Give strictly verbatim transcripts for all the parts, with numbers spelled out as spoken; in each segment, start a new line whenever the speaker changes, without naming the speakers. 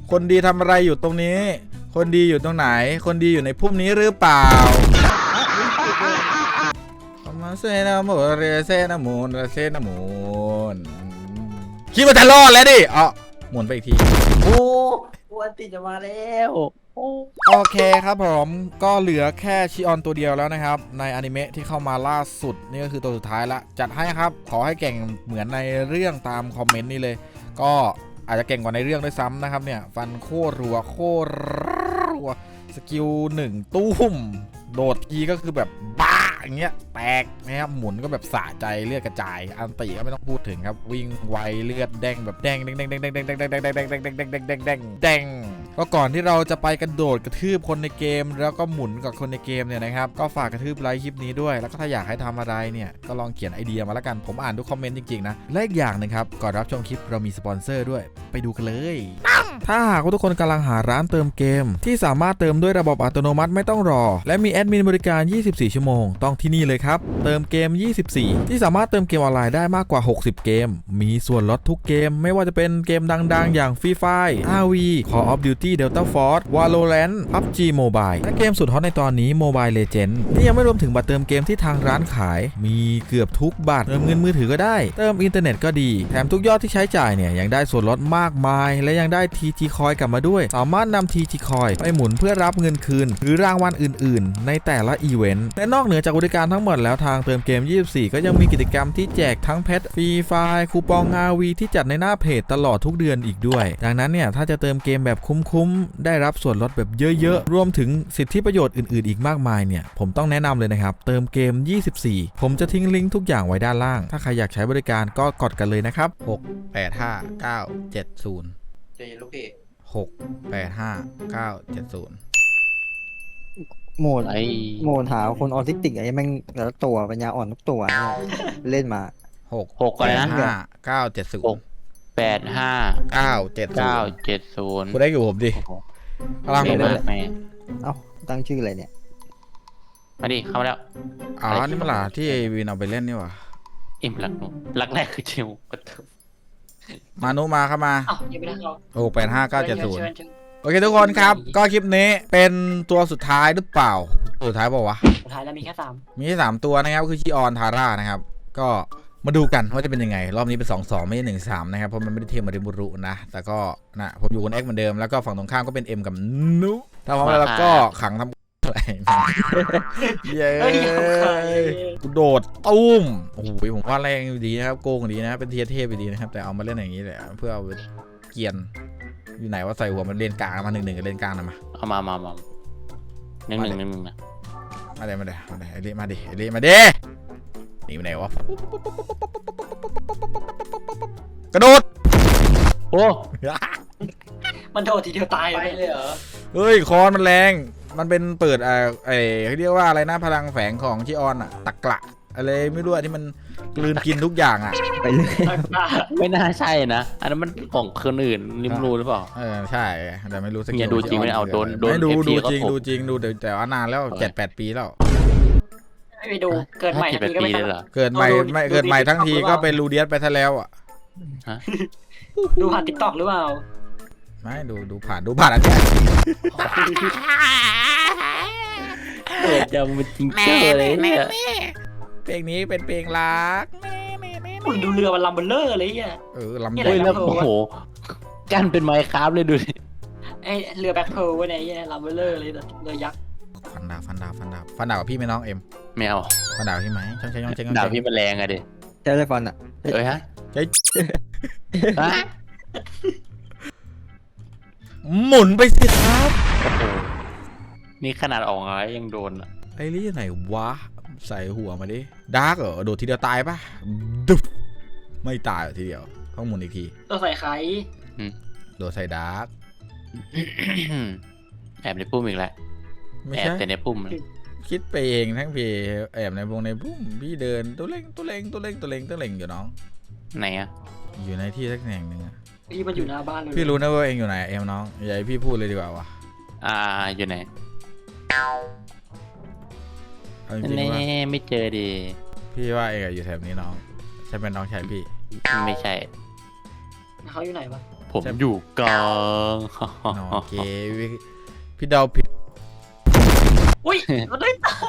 คนดีทำอะไรอยู่ตรงนี้คนดีอยู่ตรงไหนคนดีอยู่ในพุ่มนี้หรือเปล่ามาเซนาโมเรเซนามูนเซนามูนคิดว่าจะรอดแล้วดิอ๋อหมุนไปอีกที
โอ้วันติจะมาแล้ว
โอเคครับผมก็เหลือแค่ชิออนตัวเดียวแล้วนะครับในอนิเมะที่เข้ามาล่าสุดนี่ก็คือตัวสุดท้ายละจัดให้ครับขอให้เก่งเหมือนในเรื่องตามคอมเมนต์นี่เลยก็อาจจะเก่งกว่าในเรื่องด้วยซ้ำนะครับเนี่ยฟันโคตรรัวโคตรรัวสกิลหนึ่งตุ้มโดดทีก็คือแบบบ้าอย่างเงี้ยแตกนะครับหมุนก็แบบสะใจเลือดกระจายอันตีก็ไม่ต้องพูดถึงครับวิ่งไวเลือดแดงแบบแดงแดงแดงแดงแดงแดงแดงแดงแดงแดงแดงแดงแดงแดงแดงแดงแดงแดงก็ก่อนที่เราจะไปกระโดดกระทืบคนในเกมแล้วก็หมุนกับคนในเกมเนี่ยนะครับก็ฝากกระทืบไลค์คลิปนี้ด้วยแล้วก็ถ้าอยากให้ทำอะไรเนี่ยก็ลองเขียนไอเดียมาแล้วกันผมอ่านทุกคอมเมนต์จริงๆนะและอีกอย่างนึงครับก่อนรับชมคลิปเรามีสปอนเซอร์ด้วยไปดูกันเลยถ้าหากว่าทุกคนกำลังหาร้านเติมเกมที่สามารถเติมด้วยระบบอัตโนมัติไม่ต้องรอและมีแอดมินบริการยี่สิบสี่ชั่วโมงต้องที่นี่เลยครับเติมเกมยี่สิบสี่ที่สามารถเติมเกมออนไลน์ได้มากกว่าหกสิบเกมมีส่วนลดทุกเกมไม่ว่าจะเป็นเกมดังๆอย่าง Free Fire อาร์ วี Call of Duty Delta Force Valorant พับจี Mobile และเกมสุดฮอตในตอนนี้ Mobile Legends นี่ยังไม่รวมถึงบัตรเติมเกมที่ทางร้านขายมีเกือบทุกบัตรเติมเงินมือถือก็ได้เติมอินเทอร์เน็ตก็ดีแถมทุกยอดที่ใช้จ่ายเนี่ยยังได้ส่วนลดมากมายและยังได้ ที จี Coin กลับมาด้วยสามารถนำ ที จี Coin ไปหมุนเพื่อรับเงินคืนหรือรางวัลอื่นๆในแต่ละอีเวนต์และนอกเหนือจากบริการทั้งหมดแล้วทางเติมเกมยี่สิบสี่ก็ยังมีกิจกรรมที่แจกทั้งเพชรฟรีไฟล์คูปอง อาร์ วี ที่จัดในหน้าเพจตลอดทุกเดือนอีกด้วยดังนั้นเนี่ยถ้าจะเติมเกมแบบคุ้มๆได้รับส่วนลดแบบเยอะๆรวมถึงสิทธิประโยชน์อื่นๆอีกมากมายเนี่ยผมต้องแนะนำเลยนะครับเติมเกมยี่สิบสี่ผมจะทิ้งลิงก์ทุกอย่างไว้ด้านล่างถ้าใครอยากใช้บริการก็กดกันเลยนะครับหก แปด ห้า เก้า เจ็ด ศูนย์
เจลูกพี่
หก แปด ห้า เก้า เจ็ด ศูนย์
โหมดไอโหมดหาคนออทิสติกไอ้แม่งแต่ละตัวปัญญาอ่อนทุกตัวเนี่ยเล่นมา
หก
หกอะไรนะ
ห้า เก้า เจ็ด ศูนย์
แปด ห้า
เก้า เจ็ด
เก้า เจ็ด ศูนย์
คุณได้อยู่ผมดิพลังผมเลย
เอ้าตั้งชื่ออะไรเนี่ย
มาดิเข้ามาแล้ว
อ๋อนี่มันหล่ะที่ไอวินเอาไปเล่นนี่หว่า
อิ่มรักหนูรักแรกคือจิว
มานุมาเข้ามา
อ้าวยังไม่ได้เขา
หก แปด ห้า เก้า เจ็ด ศูนย์โอเคทุกคนครับก็คลิปนี้เป็นตัวสุดท้ายหรือเปล่าสุดท้ายบอกวะ
สุดท้ายแล้วมีแค่สาม
มีแค่สามตัวนะครับคือชิออนทาร่านะครับก็มาดูกันว่าจะเป็นยังไงรอบนี้เป็นสอง สองไม่ใช่หนึ่ง สามนะครับเพราะมันไม่ได้เทียมมาริบุรุนะแต่ก็นะผมอยู่คนเอ็กเหมือนเดิมแล้วก็ฝั่งตรงข้ามก็เป็น M กับนุถ้าพร้อมแล้วก็ขังทำอะไรเย้กูโดดตุ้มโอ้โหผมว่าแรงดีนะครับโกงดีนะเป็นเทียเทพดีนะครับแต่เอามาเล่นอย่างนี้แหละเพื่อเอาเกียนอยู่ไหนว่าใส่หัวมันเลนกลางมาหนึ่งหนึ่งกับเลนกลางนะมา
เอามามามาหนึ่งหนึ่งหนึ่งหนึ่งนะ
มาเดี๋ยวมาเดี๋ยวมาเดี๋ยวไอเล่มาดิไอเล่มาดิหนีไปไหนวะกระโดด
โอ้
มันโดดทีเดียวตายเลยเหรอ
เฮ้ยคอนมันแรงมันเป็นเปิดไอ้ไอ้เขาเรียกว่าอะไรนะพลังแฝงของชิออนอะตะกละอะไรไม่รู้ที่มันกลืนกินทุกอย่างอะ
ไปเลย
ไม่น่าใช่นะอันนั้นมันของคนอื่นริมรูหรือเปล่า
เออใช่แต่ไม่รู้สกิล
ดูจริงไม่เอาโดนโดน
ไม่ดูดูจริงดูจริงดูแต่ว่านานแล้วเจ็ดแปดปีแล้ว
ไม่ไปดูเกิดใหม่ทั้งทีก็ไม่
เหรอเกิดใหม่ไม่เกิดใหม่ทั้งทีก็เป็นรูเดียสไปซะแล้วอะ
ดูผ่านติ๊กต็อกหรือเปล่า
ไม่ดูดูผ่านดูผ่านอันเนี้ย
เปิดจำมันจริงเจ้าเลยเนี่ย
เพลงนี้เป็นเพลงรัก
มึงดูเรือมันลำเบลเลอร์เลยอ่ะ
เออลำให
ญ่แล้วโอ้โหกันเป็นไมค์คราฟเลยดูดิ
ไอเรือแบ็คเพลวะเนี่ยลำเบลเลอร์เลยเรือยักษ์
ฟันดาบฟันดาบฟันดาบฟันดาบพี่ไม่น้องเอ็ม
ไม่เอา
ฟันดาบพี่ไหมช่างใช้ย่องใช้ย่อง
ดาบพี่มันแรงอะดิ
ใช่ได้ฟันอะ
เอ้ยฮะ
ใช่หมุนไปสิครับ
นี่ขนาดออกอะไรยังโดนอ่ะ
ไอ้ลี่ไหนวะใส่หัวมาดิดาร์กเหรอโดดทีเดียวตายปะดุ๊บไม่ตายทีเดียวต้องหมุนอีกที
ตัวใส่ไข่
โดดใส่ดาร์ก
แอบในพุ่มอีกแล้วแอบแต่ในพุ่ม
คิดไปเองทั้งพี่แอบในวงในพุ่มพี่เดินตัวเล็งตัวเล็งตัวเล็งตัวเล็งตัวเล็งอยู่น้อง
ไหนอะ
อยู่ในที่สักแห่งหนึ่ง
พี่มันอยู่หน้าบ้านเลย
พี่รู้นะว่าเองอยู่ไหนเอ็มน้องอย่าให้พี่พูดเลยดีกว่าวะ
อ่าอยู่ไหนแน่ไม่เจอดี
พี่ว่าเองอยู่แถวนี้น้องใช่เป็นน้องชายพี่
ไม่ใช่
เขาอยู่ไหนวะ
ผมอยู่กลาง
โอเคพี่เดาผิด
อุ้ยมันได้ตาย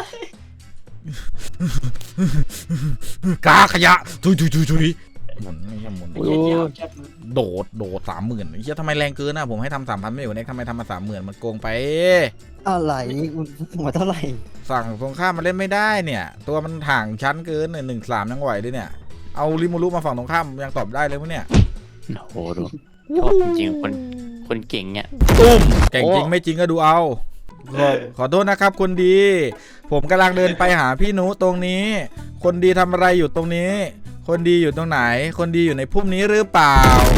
กาขยะทุยทุยทุยทุยหมุนไม่ใช่หมุน
ไอ้เหี้ยเหี้ยแคบ
โดดโดดสามหมื่นไอ้เหี้ยทำไมแรงเกินนะผมให้ทำสามพันไม่อยู่เนี่ยทำไมทำมาสามหมื่นมันโกงไป
อะไรหัวเท่าไหร่
สั่งตรงข้ามมาเล่นไม่ได้เนี่ย ตัวมันห่างชั้นเกินหนึ่งสามยังไหวด้วยเนี่ยเอาริมูรุมาฝั่งตรงข้ามยังตอบได้เลยมั้ยเนี่ย
โอ้โหดูชอบจริงๆคนคนเก่งเนี่ย
ตุ้มเก่งจริงไม่จริงก็ดูเอาขอขอโทษนะครับคนดี ผมกำลังเดินไปหาพี่หนูตรงนี้ คนดีทำอะไรอยู่ตรงนี้ คนดีอยู่ตรงไหน คนดีอยู่ในพุ่มนี้หรือเปล่า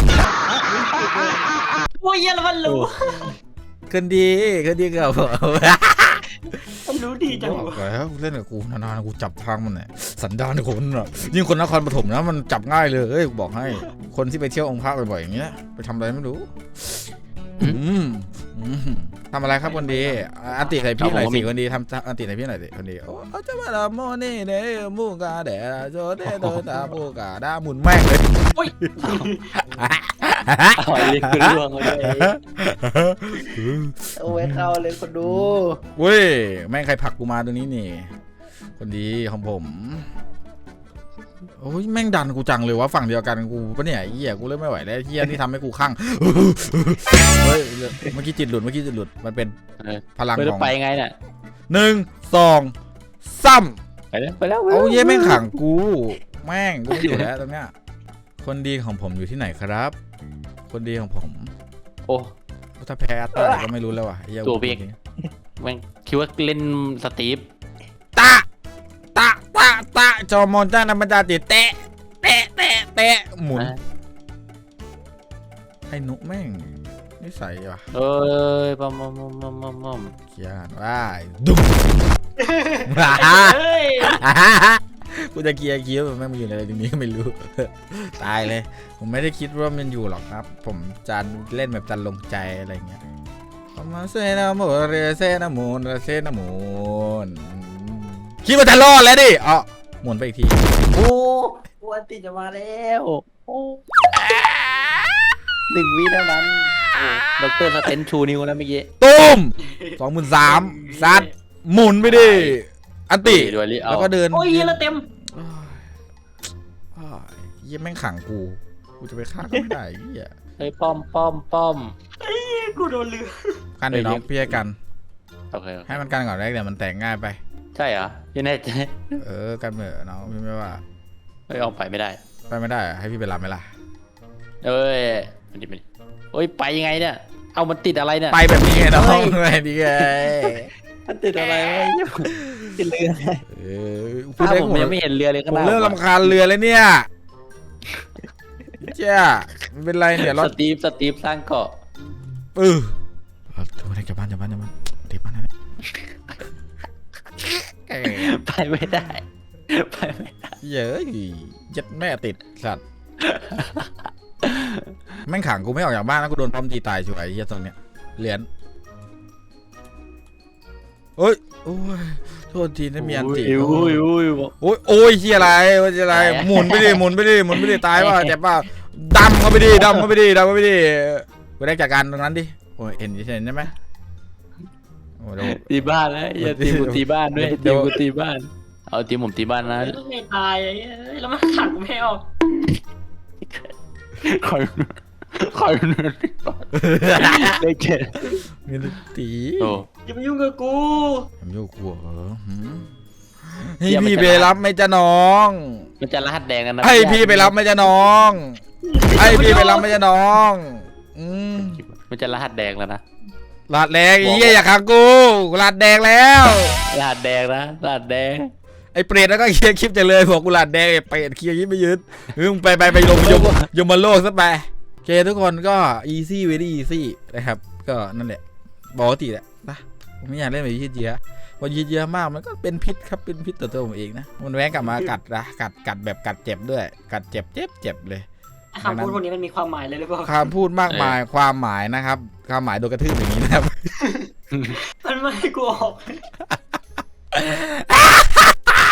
โอ้ยเหี้ยแล้วมันรู้
คนดีคนดีกับผม
มันรู้ดีจัง
บอก
วะ
แล้วเล่นกับกูนานๆกูจับทางมันเนี่ยสันดานคนอ่ะยิ่งคนนครปฐมนะมันจับง่ายเลยเอ้ยกูบอกให้คนที่ไปเที่ยวองค์พระบ่อยๆอย่างเงี้ยไปทำอะไรไม่รู้อืมอืมทำอะไรครับคนดีอันติใส่พี่หน่อยสิคนดีทำอันติใส่พี่หน่อยสิคนดีโอ้จะมาละโมนี่เดมูกาเดโจเดโดตามูกาดาหมุนแม่งเลย
อุ้ย
เอาเลยคือล่วงเลยโอ้ยเข้าเลยคนดู
เว้ยแม่งใครผลักกูมาตัวนี้นี่คนดีของผมโอ้ยแม่งดันกูจังเลยวะฝั่งเดียวกันกูปะเนี่ยเหี้ยกูเริ่มไม่ไหวแล้วเหี้ยนี่ทำให้กูข้างเฮ้ยเมื่อกี้จิตหลุดเมื่อกี้จิตหลุดมันเป็นพลังของ
ไปไงเนี่ย
หนึ่งสองซ้ำ
ไปแล้วไปแล้ว
เอาเย้แม่งขังกูแม่งกูไม่อยู่แล้วตรงเนี้ยคนดีของผมอยู่ที่ไหนครับ คนดีของผม
โอ้
ถ้าแพ้อัตตาก็ไม่รู้แล้วว่ะไอ้เหี้ย
ตัวเบรก แม่งคิดว่าเล่นสตีฟ
ตะตะตะตะจอมอนจ้านามันจาติเตะเตะเตะเตะหมุนไอ้นุแม่งนิสัยว่ะ
เอ้ยปั๊มปั๊มปั๊มปั๊มปั๊มปั๊ม
เขียนว่าดุ้ม
เฮ้ย
กูจะเกียร์คิ้วแม่งมันอยู่ในอะไรตรงนี้ก็ไม่รู้ ตายเลย ผมไม่ได้คิดว่ามันอยู่หรอกครับ ผมจะเล่นแบบจันลงใจอะไรเงี้ยมาเซนาโมเรเซนามูนเซนามูนคิดว่าจะรอดแล้วดิอ๋อหมุนไปอีกที
โอ้วันติจะมาแล้วโอ้หนึ่งวิเท่านั้นด็อกเตอร์สเตนชูนิ้วแล้วเมื่อกี้
ตุ้มสองหมื่นสามซัดหมุนไปดิอันติ
ด้วยลิเอา
แล้วก็เดิน
โอ้ยเหี้ยแล้วเต็ม
เยี่ยแม่งขังกูกูจะไปฆ่าก็ไม่ได้เยี่ย
เฮ้ยป้อมป้อมป้อม
กูโดนเรือ
กันเดี๋ยวน้องพี่ให้กัน
โอเค
ให้มันกันก่อนแรกเดี๋ยวมันแต่งง่ายไป
ใช่เหรอยังแน่ใจ
เออกันเหอะน้องพี่ไม่ว่า
เฮ้ยเอาไปไม่ได้
ไปไม่ได้อะให้พี่ไปรับไหมล่ะ
เอ้ยมันดิมันโอ้ยไปยังไงเนี่ยเอามันติดอะไรเนี่ย
ไปแบบนี้ไงน้องไปดีไง
มันติดอะไรวะ
ติดเรือ
เออพู
ถ้า
ดได้
ผม
ผม
ยังไม่เห็นเรือเลย
ผ
ก็
ม
น่า
เริ่มรำคาญเรือเลยเนี่ยเจ้ามันเป็นไรเนี่ยร
ส
ถ
ตีฟสตีฟสร้างเกาะ
เออทุกคนกลับบ้านกลับบ้านกลับบ้านเดี๋ยวบ้านนะ
ไปไม่ได้ไปไม่ได้
เยอะยัดแม่ติดสัตว์แม่งขังกูไม่ออกจากบ้านแล้วกูโดนพร้อมตีตายช่วยไอ้เหี้ยตรงเนี้ยเหรียญเอ้ยโอ้ยโทษทีนะมีอันติ
โอ้ยโอ้ย
โอ้ยโอ้ยเหี้ยอะไรโอ้ยอะไรหมุนไปดิหมุนไปดิหมุนไปดิตายป่ะเจ็บป่ะดำเข้าไปดิดำเข้าไปดิดำเข้าไปดิกูได้จากการตรงนั้นดิโอ้ยเห็นเห็นใช่ไหมโอ้โห
ตีบ้านแล้วอย่าตีกูตีบ้านด้วยตีกูตีบ้านเอาตีผมตีบ้านนะ
ไม่ตายไอ้เหี้ยแล้วมันขังกูไม่ออก
คอยคอยได้เจ็ด
มีตี
โอ้
อย่ามายุ่งกับกู
ผมโยกกลัวเหรอหืมให้พี่ไปรับไหม่จะน้อง
มันจะรหัสแดงกันนะ
ให้พี่ไปรับไหม่จะน้องให้พี่ไปรับไหม่จะน้องอืม
มันจะรหัสแดงแล้วนะ
ลาดแดงไอ้เหี้ยอย่าขังกูลาดแดงแล้ว
รหัสแดงนะรหัสแดง
ไอ้เปรตแล้วก็เคลียร์คลิปจะเลยบอกกูลาดแดงไอ้เปรตเคลียร์คลิปไม่ยืดมึงไปไปไปลงยมยมมาโลกซะไปโอเคทุกคนก็ easy very easy นะครับก็นั่นแหละปกติแหละนะผมไม่อยากเล่นแบบยืดเยื้อพอยืดเยื้อมากมันก็เป็นพิษครับเป็นพิษต่อตัวผมเองนะมันแว้งกลับมากัดนะกัดกัดแบบกัดเจ็บด้วยกัดเจ็บเจ็บเจ็บเลย
คำพูดพวกนี้มันมีความหมายเลยหรือเปล่า
คำพูดมากมายความหมายนะครับความหมายโดนกระทืบอย่างนี้นะครับ
มันไม่ให้กูออก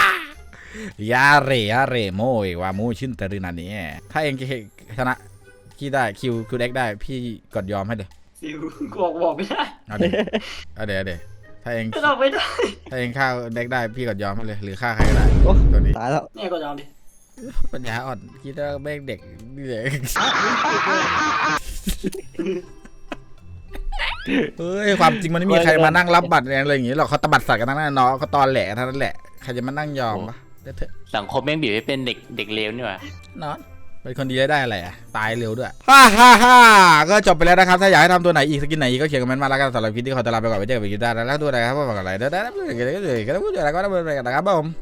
ยาเรยาเรโมยว่ามูชินเตอรินานี่ถ้าเองชนะขี้ได้คิวคิวเด็กได้พี่กดยอมให้เลย
ซิวกูบอกบอกไม่ได้
เอาเดี๋ยวเอาเดี๋ยวเอาเดี๋ยวถ้าเอง
ก็ตอบไม่ได้
ถ้าเองฆ่าเด็กได้พี่กดยอมให้เลยหรือฆ่าใครก็ได้
โอ้
ตัวนี้
ตายแล้ว
เนี่ยก็ยอมดิ
ปัญญาอ่อนคิดว่าแม่งเด็กเด็กเฮ้ยความจริงมันไม่มีใครมานั่งรับบัตรอะไรอย่างงี้หรอกเขาตบัดสัตว์กันทั้งนั้นเนาะเขาตอนแหลเท่านั้นแหละใครจะมานั่งยอมปะเดี๋ยวเถอะ
สังคมแม่งบีบให้เป็นเด็กเด็กเลวนี่หว่า
นอนเป็นคนดีแล้วได้อะไรอ่ะตายเร็วด้วยฮ่าฮ่าฮ่าก็จบไปแล้วนะครับถ้าอยากให้ทำตัวไหนอีกสกินไหนอีกก็เขียนคอมเมนต์มาแล้วกันสำหรับคลิปที่ขอตลาไปก่อนไปเจอกันใหม่คลิปหน้าแล้วตัวไหนครับว่าอะไรเด้อได้ได้ได้ได้ได้ได้ได้ได้ได้ได้ได้ได้ได้ได้ได้ได้ได้ได้ผม